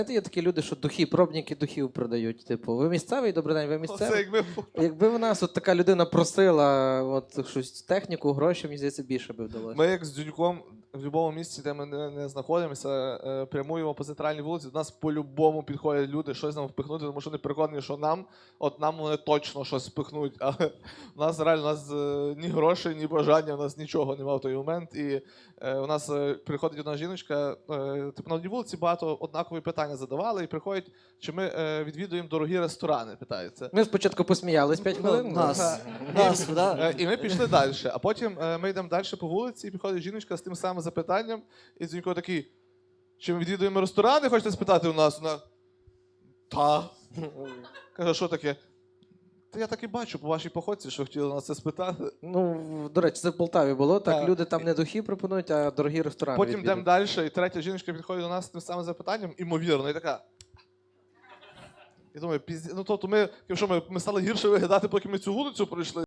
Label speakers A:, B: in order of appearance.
A: Є такі люди, що духи, пробники духів продають. Типу, ви місцевий, добрий день, ви
B: Оце
A: місцевий?
B: якби...
A: Якби в нас от така людина просила от щось техніку, гроші, мені здається, більше би вдалося.
B: Ми як з Дзюньком в будь-якому місці, де ми не знаходимося, прямуємо по центральній вулиці, до нас по-любому підходять люди щось нам впихнути, тому що вони переконані, що нам вони точно щось впихнуть. Але у нас реально ні грошей, ні бажання, у нас нічого немає в той момент. І у нас приходить одна жіночка, типу на одній вулиці багато однакові питання задавали, і приходять, чи ми відвідуємо дорогі ресторани, питаються.
A: Ми спочатку посміялись 5 хвилин.
C: Нас, да?
B: І ми пішли далі. А потім ми йдемо далі по вулиці, і приходить жіночка з тим самим запитанням, і Дзюнько такий, чи ми відвідуємо ресторани, хочете спитати у нас? Вона, та. Каже, що таке? Та я так і бачу по вашій походці, що хотіли нас це спитати.
A: Ну, до речі, це в Полтаві було. Так,
B: Так.
A: люди там не духи пропонують, а дорогі ресторани.
B: Потім йдемо
A: відвідують.
B: далі, і третя жіночка підходить до нас з тим самим запитанням, імовірно, і така. Я думаю, ну тобто ми стали гірше виглядати, поки ми цю вулицю пройшли.